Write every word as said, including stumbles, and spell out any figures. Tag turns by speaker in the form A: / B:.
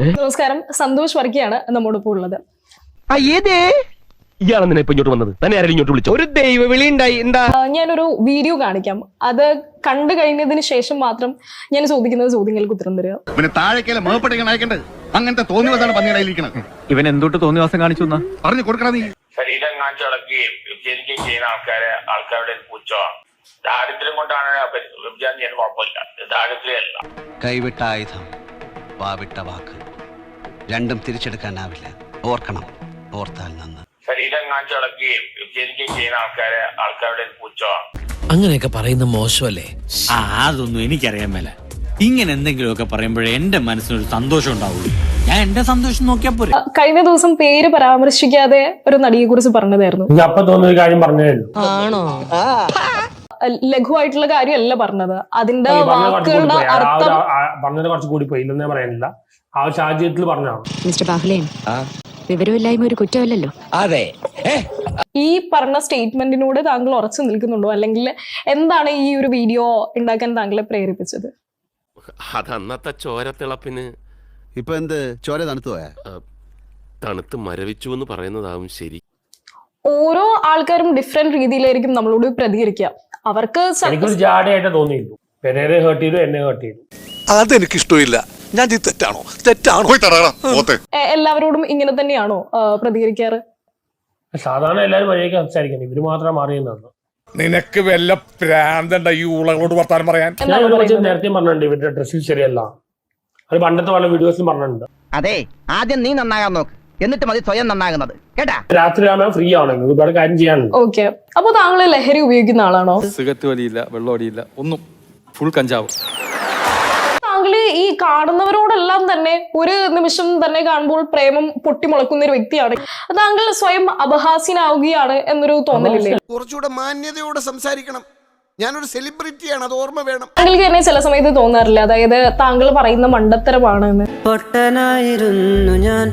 A: നമസ്കാരം, സന്തോഷ് വർക്കിയാണ് നമ്മോടൊപ്പം ഉള്ളത്.
B: ഇയാളെന്തിനാ ഇപ്പൊ ഇങ്ങോട്ട് വന്നത്? തന്നെ ആരും ഇങ്ങോട്ട് വിളിച്ചു? ഒരു ദൈവ വിളി ഉണ്ടായി. എന്താ?
A: ഞാനൊരു വീഡിയോ കാണിക്കാം. അത് കണ്ടു കഴിഞ്ഞതിന് ശേഷം മാത്രം ഞാൻ ചോദിക്കുന്ന ചോദ്യങ്ങൾക്ക് ഉത്തരം തരിക.
C: അങ്ങനത്തെ തോന്നിവാസാണ് പന്നിയിലിരിക്കുന്നത്.
D: ഇവൻ എന്തൊട്ട് തോന്നിവാസം കാണിച്ചു
C: പറഞ്ഞു കൊടുക്കണം. നീ
E: ശരീരം കാണിച്ചു വളക്കുകയും വ്യഭിചരിക്കുകയും ചെയ്യുന്ന ആൾക്കാരെ ആൾക്കാരുടെ പുച്ഛമാണ്. ദാരിദ്ര്യം കൊണ്ടാണ് വ്യഭിചാരം ചെയ്യാൻ കുഴപ്പമില്ല, ദാരിദ്ര്യമല്ല.
F: കൈവിട്ട ആയുധം, വാവിട്ട വാക്ക്, രണ്ടും തിരിച്ചെടുക്കാനാവില്ല. ഓർക്കണം, ഓർത്താൽ നന്ന്.
E: ശരീരം കാണിച്ചു വളക്കുകയും വ്യഭിചരിക്കുകയും ചെയ്യുന്ന ആൾക്കാരെ ആൾക്കാരുടെ പുച്ഛമാണ്.
G: അങ്ങനെയൊക്കെ പറയുന്ന മോശമല്ലേ?
H: ആ അതൊന്നും എനിക്കറിയാൻ മേല. ഇങ്ങനെ എന്തെങ്കിലുമൊക്കെ പറയുമ്പോഴേ എന്റെ മനസ്സിനൊരു സന്തോഷം ഉണ്ടാവുള്ളൂ. ഞാൻ എന്റെ സന്തോഷം നോക്കിയാ പോരെ.
A: കഴിഞ്ഞ ദിവസം പേര് പരാമർശിക്കാതെ ഒരു നടിയെ കുറിച്ച് പറഞ്ഞതായിരുന്നു.
I: അപ്പൊ തോന്നുന്ന കാര്യം പറഞ്ഞതല്ലോ.
G: ആണോ?
A: ലഘുവായിട്ടുള്ള കാര്യമല്ല പറഞ്ഞത്. അതിന്റെ വാക്കുകളുടെ അർത്ഥം
I: പറഞ്ഞത് കുറച്ച് കൂടി പോയി, ഇല്ലെന്നേ പറയാനില്ല. ആ സാഹചര്യത്തിൽ പറഞ്ഞാണ്.
J: മിസ്റ്റർ ബാഹുലേൻ, വിവരമില്ലായ്മ ഒരു കുറ്റമല്ലല്ലോ.
G: അതെ.
A: ഈ പറഞ്ഞ സ്റ്റേറ്റ്മെന്റിനോട് താങ്കൾ ഉറച്ചു നിൽക്കുന്നുണ്ടോ, അല്ലെങ്കിൽ എന്താണ് ഈ ഒരു വീഡിയോ ഉണ്ടാക്കാൻ താങ്കളെ പ്രേരിപ്പിച്ചത്?
B: അതന്നത്തെ ചോരത്തിളപ്പിന്
F: ഇപ്പൊ എന്ത് ചോര തണുത്തു പോയാ?
B: തണുത്ത് മരവിച്ചു എന്ന് പറയുന്നതാവും ശരി.
A: ഓരോ ആൾക്കാരും ഡിഫറെന്റ് രീതിയിലായിരിക്കും നമ്മളോട് പ്രതികരിക്കുക. അവർക്ക്
I: എനിക്കൊരു ജാടയായിട്ട് തോന്നിയിരുന്നു. പെരേരെ ഹേർട്ട് ചെയ്തു, എന്നെ ഹേർട്ട് ചെയ്തു.
K: അതെനിക്ക് ഇഷ്ടമില്ല. ഞാൻ തെറ്റാണോ തെറ്റാണോ
A: എല്ലാവരോടും ഇങ്ങനെ തന്നെയാണോ പ്രതികരിക്കാറ്?
I: സാധാരണ എല്ലാവരും വഴിയൊക്കെ സംസാരിക്കുന്നത്, ഇവര് മാത്രം മാറിയെന്നാണ്.
K: നിനക്ക് വല്ല പ്രാന്തണ്ട ഈ ഊളകളോട് വർത്താനം പറയാൻ?
I: ഞാൻ നേരത്തെ പറഞ്ഞിട്ടുണ്ട് ഇവരുടെ ഡ്രസ്സിൽ ശരിയല്ല. അത് പണ്ടത്തെ പല വീഡിയോസിലും പറഞ്ഞിട്ടുണ്ട്.
L: അതെ, ആദ്യം നീ നന്നാകാൻ നോക്ക്, എന്നിട്ട് മതി സ്വയം നന്നാകുന്നത്, കേട്ടാ.
I: രാത്രി ആകുമ്പോൾ ഫ്രീ ആവണം, ഒരുപാട് കാര്യം ചെയ്യാനുണ്ട്.
A: ഓക്കെ, അപ്പൊ താങ്കൾ ലഹരി ഉപയോഗിക്കുന്ന ആളാണോ?
D: സിഗരറ്റ് വലിയില്ല, വെള്ളം അടിയില്ല, ഒന്നും. ഫുൾ കഞ്ചാവ്.
A: താങ്കൾ ഈ കാണുന്നവരോടെല്ലാം തന്നെ ഒരു നിമിഷം തന്നെ കാണുമ്പോൾ പ്രേമം പൊട്ടിമുളക്കുന്ന ഒരു വ്യക്തിയാണ്. താങ്കൾ സ്വയം അപഹാസ്യനാവുകയാണ് എന്നൊരു തോന്നലില്ലേ?
K: കുറച്ചുകൂടെ മാന്യതയോടെ സംസാരിക്കണം. ഞാനൊരു സെലിബ്രിറ്റിയാണ്, അത് ഓർമ്മ വേണം.
A: താങ്കൾക്ക് തന്നെ ചില സമയത്ത് തോന്നാറില്ല, അതായത് താങ്കൾ പറയുന്ന മണ്ടത്തരമാണ് എന്ന്?